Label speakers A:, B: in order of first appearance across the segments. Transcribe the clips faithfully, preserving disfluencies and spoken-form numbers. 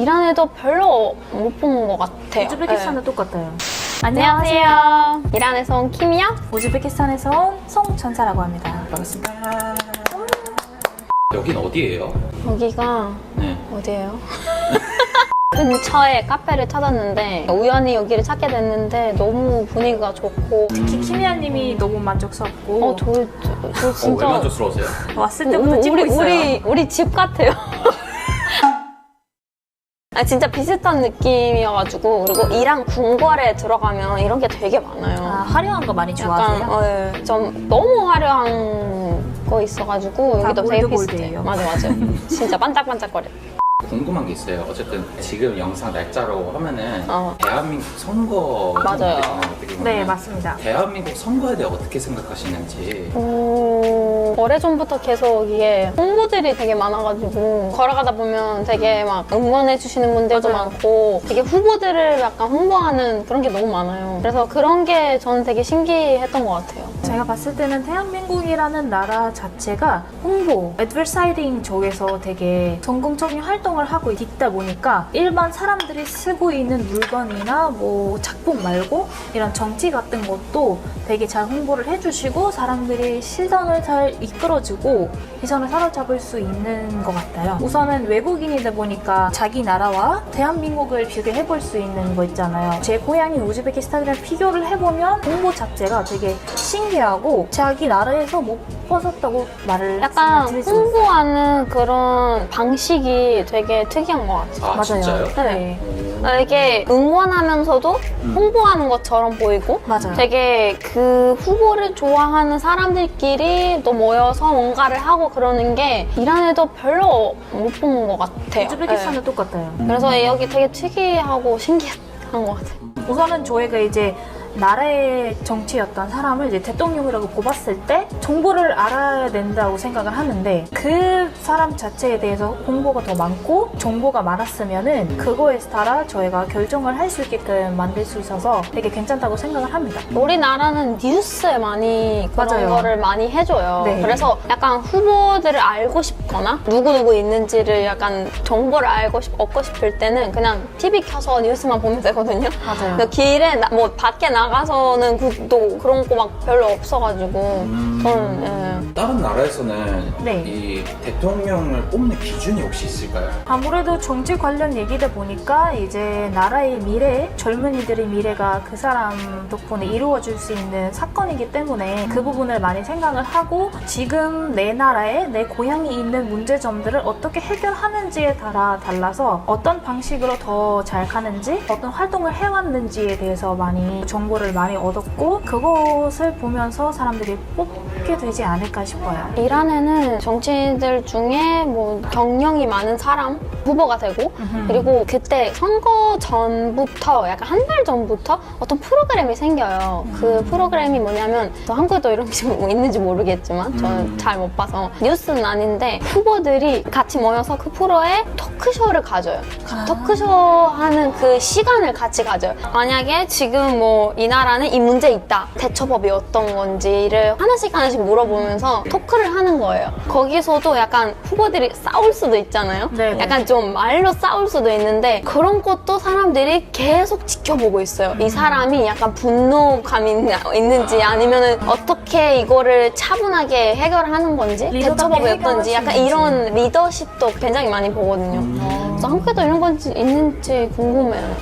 A: 이란에도 별로 못 본 것 같아요.
B: 우즈베키스탄도
A: 네.
B: 똑같아요.
A: 안녕하세요. 이란에서 온 킴이야.
B: 우즈베키스탄에서 온 송천사라고 합니다.
C: 반갑습니다. 여긴 어디예요?
A: 여기가
C: 네.
A: 어디예요? 근처에 카페를 찾았는데 우연히 여기를 찾게 됐는데 너무 분위기가 좋고
B: 특히 키미아님이 너무 만족스럽고
A: 어, 저, 저, 저
C: 어,
A: 진짜
C: 왜 만족스러우세요?
B: 왔을 때부터
A: 우리,
B: 찍고
A: 우리,
B: 있어요.
A: 우리, 우리 집 같아요. 아, 진짜 비슷한 느낌이어가지고 그리고 이란 궁궐에 들어가면 이런 게 되게 많아요.
B: 아, 화려한 거 많이 좋아하세요?
A: 약간 어, 예. 좀 너무 화려한 거 있어가지고
B: 다
A: 여기도 되게
B: 골드골드예요.
A: 비슷해요. 맞아 맞아. 진짜 반짝반짝거려.
C: 궁금한 게 있어요. 어쨌든 지금 영상 날짜로 하면은
A: 어.
C: 대한민국 선거
A: 맞아요.
C: 어떻게 보면
B: 네, 맞습니다.
C: 대한민국 선거에 대해 어떻게 생각하시는지.
A: 오, 오래전부터 계속 이게 홍보들이 되게 많아가지고 걸어가다 보면 되게 막 응원해주시는 분들도
B: 맞아요.
A: 많고 되게 후보들을 약간 홍보하는 그런 게 너무 많아요. 그래서 그런 게 저는 되게 신기했던 것 같아요.
B: 제가 봤을 때는 대한민국이라는 나라 자체가 홍보, 애드버타이징 쪽에서 되게 전공적인 활동을 하고 있다 보니까 일반 사람들이 쓰고 있는 물건이나 뭐 작품 말고 이런 정치 같은 것도 되게 잘 홍보를 해주시고 사람들이 시선을 잘 이끌어주고 시선을 사로잡을 수 있는 것 같아요. 우선은 외국인이다 보니까 자기 나라와 대한민국을 비교해 볼 수 있는 거 있잖아요. 제 고향인 우즈베키스탄이랑 비교를 해보면 홍보 자체가 되게 신기하고 자기 나라에서 못 벗었다고 말을
A: 약간
B: 드릴 수 있어요.
A: 홍보하는 그런 방식이 되게 특이한 것 같아요.
C: 아,
B: 맞아요.
C: 진짜요?
A: 네.
C: 오.
A: 아, 이게 응원하면서도
C: 음.
A: 홍보하는 것처럼 보이고
B: 맞아요.
A: 되게 그 후보를 좋아하는 사람들끼리 또 모여서 뭔가를 하고 그러는 게 이란에도 별로 못 본 것 같아요.
B: 우즈베키스탄도
A: 네.
B: 똑같아요.
A: 그래서 여기 되게 특이하고 신기한 것 같아요.
B: 우선은 저희가 이제 나라의 정치였던 사람을 이제 대통령이라고 뽑았을 때 정보를 알아야 된다고 생각을 하는데 그 사람 자체에 대해서 홍보가 더 많고 정보가 많았으면은 그거에 따라 저희가 결정을 할 수 있게끔 만들 수 있어서 되게 괜찮다고 생각을 합니다.
A: 우리나라는 뉴스에 많이 그런
B: 맞아요.
A: 거를 많이 해줘요.
B: 네.
A: 그래서 약간 후보들을 알고 싶거나 누구누구 있는지를 약간 정보를 알고 싶, 얻고 싶을 때는 그냥 티비 켜서 뉴스만 보면 되거든요.
B: 맞아요.
A: 근데 길에 나, 뭐 밖에 나가서는 그, 또 그런 거 막 별로 없어가지고
C: 음.
A: 저는 예.
C: 다른 나라에서는
B: 네.
C: 이 대통령을 뽑는 기준이 혹시 있을까요?
B: 아무래도 정치 관련 얘기다 보니까 이제 나라의 미래, 젊은이들의 미래가 그 사람 덕분에 이루어질 수 있는 사건이기 때문에 그 부분을 많이 생각을 하고 지금 내 나라에 내 고향이 있는 문제점들을 어떻게 해결하는지에 따라 달라서 어떤 방식으로 더 잘 가는지 어떤 활동을 해왔는지에 대해서 많이 정보를 많이 얻었고 그것을 보면서 사람들이 뽑게 되지 않을까 싶어요.
A: 이란에는 정치인들 중에 뭐 경력이 많은 사람 후보가 되고
B: 음흠.
A: 그리고 그때 선거 전부터 약간 한 달 전부터 어떤 프로그램이 생겨요. 그 프로그램이 뭐냐면 저 한국에도 이런 게 뭐 있는지 모르겠지만 저는
C: 음.
A: 잘 못 봐서 뉴스는 아닌데 후보들이 같이 모여서 그 프로에 토크쇼를 가져요.
B: 아.
A: 토크쇼 하는 그 시간을 같이 가져요. 만약에 지금 뭐 이 나라는 이 문제 있다. 대처법이 어떤 건지를 하나씩 하나씩 물어보면서 토크를 하는 거예요. 거기서도 약간 후보들이 싸울 수도 있잖아요.
B: 네네.
A: 약간 좀 말로 싸울 수도 있는데 그런 것도 사람들이 계속 지켜보고 있어요. 이 사람이 약간 분노감이 있나- 있는지 아니면은 어떻게 이거를 차분하게 해결하는 건지
B: 리더답게
A: 대처법이
B: 해결할
A: 어떤지
B: 수
A: 약간
B: 있는지.
A: 이런 리더십도 굉장히 많이 보거든요.
C: 음.
A: 그래서 한국에도 이런 건지 있는지 궁금해요.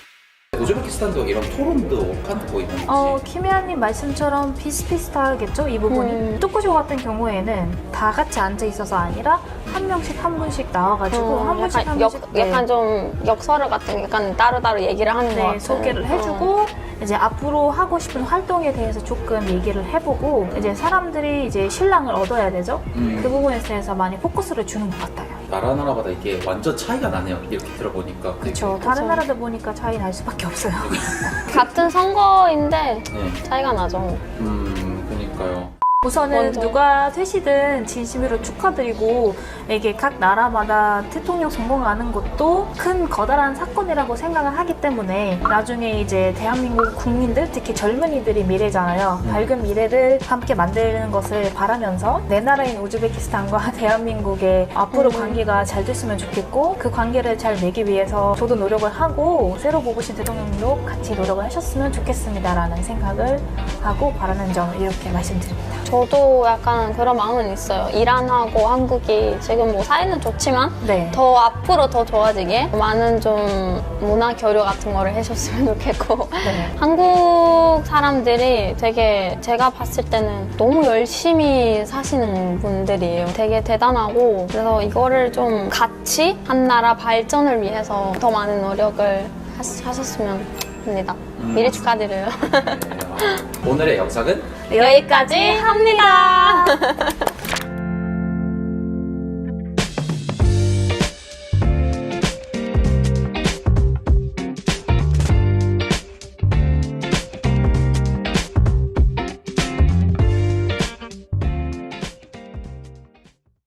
C: 우즈베키스탄도 이런 토론도 하고 있는지.
B: 어, 키미아님 말씀처럼 비슷비슷하겠죠? 이 부분이.
A: 음.
B: 토크쇼 같은 경우에는 다 같이 앉아 있어서 아니라 한 명씩 한 분씩 나와가지고
A: 어,
B: 한 분씩
A: 약간,
B: 한
A: 역,
B: 분씩 네.
A: 약간 좀 역설을 같은 게 약간 따로따로 얘기를 하는 것
B: 네,
A: 같아요.
B: 소개를
A: 어.
B: 해주고 이제 앞으로 하고 싶은 활동에 대해서 조금 얘기를 해보고 이제 사람들이 이제 신랑을 얻어야 되죠?
C: 음.
B: 그 부분에 대해서 많이 포커스를 주는 것 같아요.
C: 나라 나라마다 이게 완전 차이가 나네요. 이렇게 들어보니까.
B: 그렇죠. 다른 나라들 보니까 차이 날 수밖에 없어요.
A: 같은 선거인데
C: 네.
A: 차이가 나죠.
C: 음, 그러니까요.
B: 우선은
A: 먼저.
B: 누가 되시든 진심으로 축하드리고 이게 각 나라마다 대통령 선거하는 것도 큰 거다란 사건이라고 생각을 하기 때문에 나중에 이제 대한민국 국민들 특히 젊은이들이 미래잖아요. 밝은 미래를 함께 만드는 것을 바라면서 내 나라인 우즈베키스탄과 대한민국의 앞으로
A: 음.
B: 관계가 잘 됐으면 좋겠고 그 관계를 잘 내기 위해서 저도 노력을 하고 새로 뽑으신 대통령도 같이 노력을 하셨으면 좋겠습니다라는 생각을 하고 바라는 점을 이렇게 말씀드립니다.
A: 저도 약간 그런 마음은 있어요. 이란하고 한국이 지금 뭐 사이는 좋지만
B: 네.
A: 더 앞으로 더 좋아지게 많은 좀 문화 교류 같은 거를 해줬으면 좋겠고
B: 네.
A: 한국 사람들이 되게 제가 봤을 때는 너무 열심히 사시는 분들이에요. 되게 대단하고 그래서 이거를 좀 같이 한 나라 발전을 위해서 더 많은 노력을 하시, 하셨으면 합니다.
C: 음.
A: 미리 축하드려요.
C: 네, 오늘의 영상은
A: 여기까지 합니다.